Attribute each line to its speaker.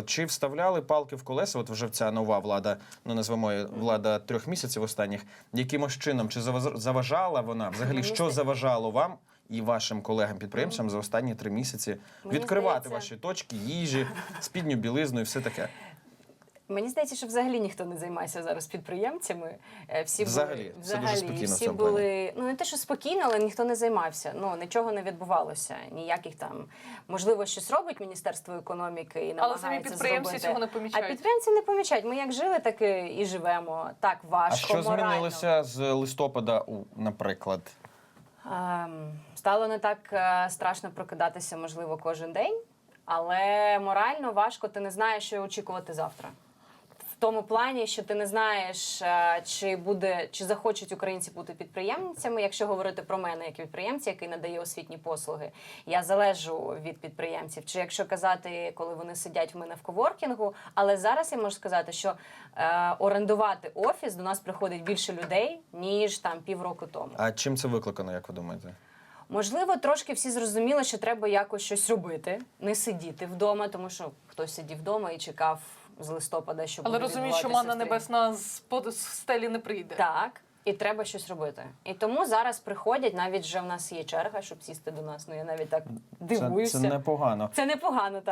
Speaker 1: От чи вставляли палки в колеса, от вже ця нова влада, ну назвемо її влада 3 місяців останніх, якимось чином, чи заважала вона, взагалі, що заважало вам і вашим колегам-підприємцям за останні 3 місяці відкривати ваші точки, їжі, спідню білизну і все таке?
Speaker 2: Мені здається, що взагалі ніхто не займається зараз підприємцями. Всі
Speaker 1: Взагалі, все дуже спокійно в
Speaker 2: всі
Speaker 1: цьому
Speaker 2: були, ну не те, що спокійно, але ніхто не займався. Ну, нічого не відбувалося. Ніяких там, можливо, щось робить Міністерство економіки і намагається
Speaker 3: Але самі підприємці
Speaker 2: зробити.
Speaker 3: цього не помічають.
Speaker 2: А підприємці не помічають. Ми як жили, так і живемо. Так важко,
Speaker 1: А що
Speaker 2: морально.
Speaker 1: змінилося з листопада, наприклад?
Speaker 2: Стало не так страшно прокидатися, можливо, кожен день, але морально важко, ти не знаєш, що очікувати завтра. В тому плані, що ти не знаєш, чи захочуть українці бути підприємцями, якщо говорити про мене як підприємця, який надає освітні послуги. Я залежу від підприємців. Чи якщо казати, коли вони сидять в мене в коворкінгу, але зараз я можу сказати, що орендувати офіс до нас приходить більше людей, ніж там півроку тому.
Speaker 1: А чим це викликано, як ви думаєте?
Speaker 2: Можливо, трошки всі зрозуміли, що треба якось щось робити, не сидіти вдома, тому що хтось сидів вдома і чекав з листопада, що
Speaker 3: Але
Speaker 2: буде
Speaker 3: розумію, що
Speaker 2: відбуватися
Speaker 3: манна небесна з стелі не прийде.
Speaker 2: Так, і треба щось робити. І тому зараз приходять, навіть вже в нас є черга, щоб сісти до нас. Ну я навіть так дивуюся.
Speaker 1: Це непогано.
Speaker 2: Це непогано, так.